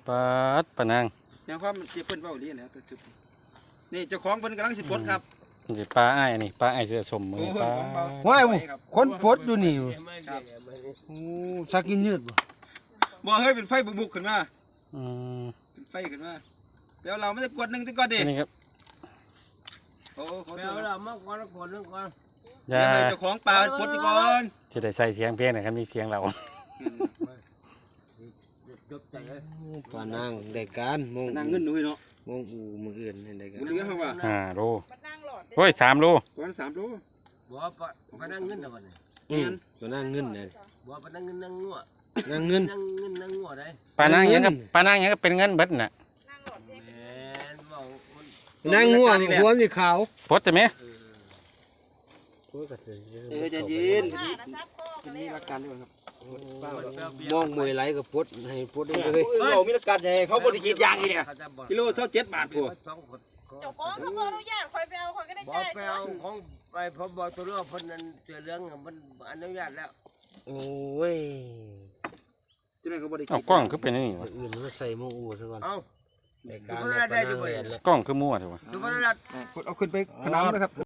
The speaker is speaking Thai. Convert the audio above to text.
ปลาปะนางแนวความเจ็บเพิ่นเว้าเรียนแล้วแต่สุดนี่เจ้าของเพิ่นกำลังสิปลดครับนี่ปลาอ้ายนี่ปลาอ้ายเสื้อสมมือปลาว้ายคนปลดอยู่นี่โอ้สักกินยืดบ่บ่เฮ้ยเป็นไฟบุกๆขึ้นมาอืมเป็นไฟขึ้นมาแล้วเราไม่ได้กดหนึ่งที่ก่อนดินี่ครับโอ้ขอแมโทวษเราเมื่อก่อนก่อนนึงก่อนอย่าเดี๋ยวให้เจ้าของปลาปลดที่ก่อนจะได้ใส่เสียงเพลงนะครับมีเสียงเราจบใจเลยปลานางได้การมงนั่งเงินหนุ่ยเนาะมงอูมืออื่นได้การมันเหลือเท่าว่า 5 โลโอ้ย3 โลวัน3 โลบัวปะนั่งเงินนะวันนี้ปลานางเงินเลยบัวปะนั่งเงินนั่งงัวนางเงินนั่งเงินนั่งงัวได้ปลานางหยังก็ปลานางหยังก็เป็นเงินเบิดน่ะแมนบอกนางงัวนี่หัวนี่ขาวปลดได้ไหมใจเย็นมีหลักการด้วยครับมองมวยไหลกับปลดให้ปลดได้เลยเรามีหลักการใหญ่เขาบริกิจยางนี่เนี่ยเขาจะบอกกิโล27 บาทพวกสองคนเจ้าของเขาบอกอนุญาตคอยไปเอาคอยก็ได้บอกจ่ายไปก่อเอานของไปผมบอกตัวเรื่องคนนั้นเสือเรื่องมันอนุญาตแล้วโอ้ยที่นั่นเขาบริกิจเอากล้องคือเป็นอันนี่วะอื่นก็ใส่มงอูซะก่อนเอาได้การได้อยู่บ่เนี่ยกล้องคือมั่วเถอะวะคือว่าเราเอาขึ้นไปขนามนะครับ